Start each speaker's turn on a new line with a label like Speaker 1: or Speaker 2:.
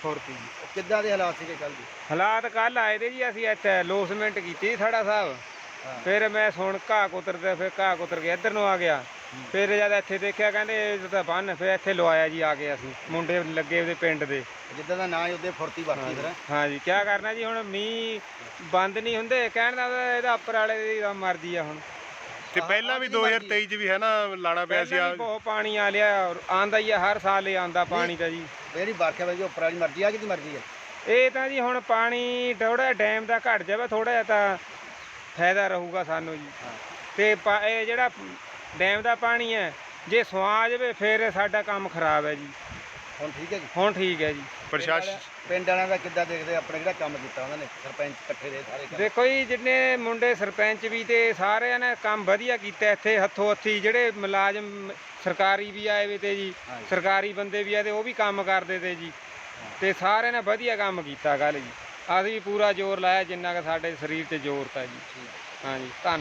Speaker 1: ਫੁਰਤੀ ਜੀ।
Speaker 2: ਕਿੱਦਾਂ ਦੇ ਹਾਲਾਤ ਸੀਗੇ ਕੱਲ ਜੀ?
Speaker 1: ਹਾਲਾਤ ਕੱਲ ਆਏ ਦੇ ਜੀ, ਅਸੀਂ ਇੱਥੇ ਲੋਸਮੈਂਟ ਕੀਤੀ ਥੜਾ ਸਾਹਿਬ। ਫਿਰ ਮੈਂ ਸੁਣ ਘਾਹ ਕੁਤਰਦੇ, ਫਿਰ ਘਾਹ ਕੁਤਰ ਕੇ ਇੱਧਰ ਨੂੰ ਆ ਗਿਆ। ਫਿਰ ਜਦ ਇੱਥੇ ਦੇਖਿਆ ਕਹਿੰਦੇ ਇਹ ਤਾਂ ਬੰਨ, ਫਿਰ ਇੱਥੇ ਲਵਾਇਆ ਜੀ ਆ ਕੇ ਅਸੀਂ, ਮੁੰਡੇ ਲੱਗੇ ਉਹਦੇ ਪਿੰਡ ਦੇ।
Speaker 2: ਜਿੱਦਾਂ ਦਾ ਨਾਂ ਉਹਦੇ ਫੁਰਤੀ ਵਰਤੀ ਫਿਰ।
Speaker 1: ਹਾਂ ਜੀ, ਕਿਆ ਕਰਨਾ ਜੀ, ਹੁਣ ਮੀਂਹ ਬੰਦ ਨਹੀਂ ਹੁੰਦੇ, ਕਹਿਣ ਦਾ ਇਹਦਾ ਉੱਪਰ ਵਾਲੇ ਦੀ ਮਰਜ਼ੀ ਆ ਹੁਣ।
Speaker 3: ਤੇ ਪਹਿਲਾਂ ਵੀ 2023 ਚ ਵੀ ਹੈ ਨਾ ਲਾਣਾ ਪਿਆ ਸੀ।
Speaker 1: ਬਹੁਤ ਪਾਣੀ ਆ ਲਿਆ, ਆਂਦਾ ਹੀ ਆ, ਹਰ ਸਾਲ ਹੀ ਆਂਦਾ ਪਾਣੀ ਤਾਂ ਜੀ।
Speaker 2: ਜਿਹੜੀ ਬਾਖਿਆ ਵਈ ਉੱਪਰ ਵਾਲੀ ਮਰਜ਼ੀ ਆ, ਕਿਹਦੀ ਮਰਜ਼ੀ ਹੈ?
Speaker 1: ਇਹ ਤਾਂ ਜੀ ਹੁਣ ਪਾਣੀ ਥੋੜਾ ਡੈਮ ਦਾ ਘਟ ਜਾਵੇ, ਥੋੜਾ ਜਿਹਾ ਤਾਂ ਫਾਇਦਾ ਰਹੂਗਾ ਸਾਨੂੰ ਜੀ। ਤੇ ਇਹ ਜਿਹੜਾ ਡੈਮ ਦਾ ਪਾਣੀ ਹੈ, ਜੇ ਸੁਆ ਜਾਵੇ ਫਿਰ ਸਾਡਾ ਕੰਮ ਖਰਾਬ ਹੈ ਜੀ।
Speaker 2: ਹੁਣ ਠੀਕ ਹੈ ਜੀ?
Speaker 1: ਹੁਣ ਠੀਕ ਹੈ ਜੀ।
Speaker 3: ਪ੍ਰਸ਼ਾਸਨ
Speaker 2: ਪਿੰਡ ਵਾਲਿਆਂ ਦਾ ਕਿੱਦਾਂ ਦੇਖਦੇ ਆਪਣੇ ਜਿਹੜਾ ਕੰਮ ਕੀਤਾ ਉਹਨਾਂ ਨੇ, ਸਰਪੰਚ ਇਕੱਠੇ ਦੇ ਸਾਰੇ ਕੰਮ?
Speaker 1: ਦੇਖੋ ਜੀ, ਜਿੰਨੇ ਮੁੰਡੇ ਸਰਪੰਚ ਵੀ ਤੇ ਸਾਰਿਆਂ ਨੇ ਕੰਮ ਵਧੀਆ ਕੀਤਾ ਇੱਥੇ, ਹੱਥੋਂ ਹੱਥੀ। ਜਿਹੜੇ ਮੁਲਾਜ਼ਮ ਸਰਕਾਰੀ ਵੀ ਆਏ ਵੇ ਤੇ ਜੀ, ਸਰਕਾਰੀ ਬੰਦੇ ਵੀ ਆਏ ਤੇ ਉਹ ਵੀ ਕੰਮ ਕਰਦੇ ਤੇ ਜੀ। ਤੇ ਸਾਰਿਆਂ ਨੇ ਵਧੀਆ ਕੰਮ ਕੀਤਾ ਕੱਲ ਜੀ। ਅਸੀਂ ਪੂਰਾ ਜ਼ੋਰ ਲਾਇਆ ਜਿੰਨਾ ਕਿ ਸਾਡੇ ਸਰੀਰ 'ਤੇ ਜ਼ੋਰ ਤਾ ਜੀ। ਹਾਂ ਜੀ, ਧੰਨਵਾਦ।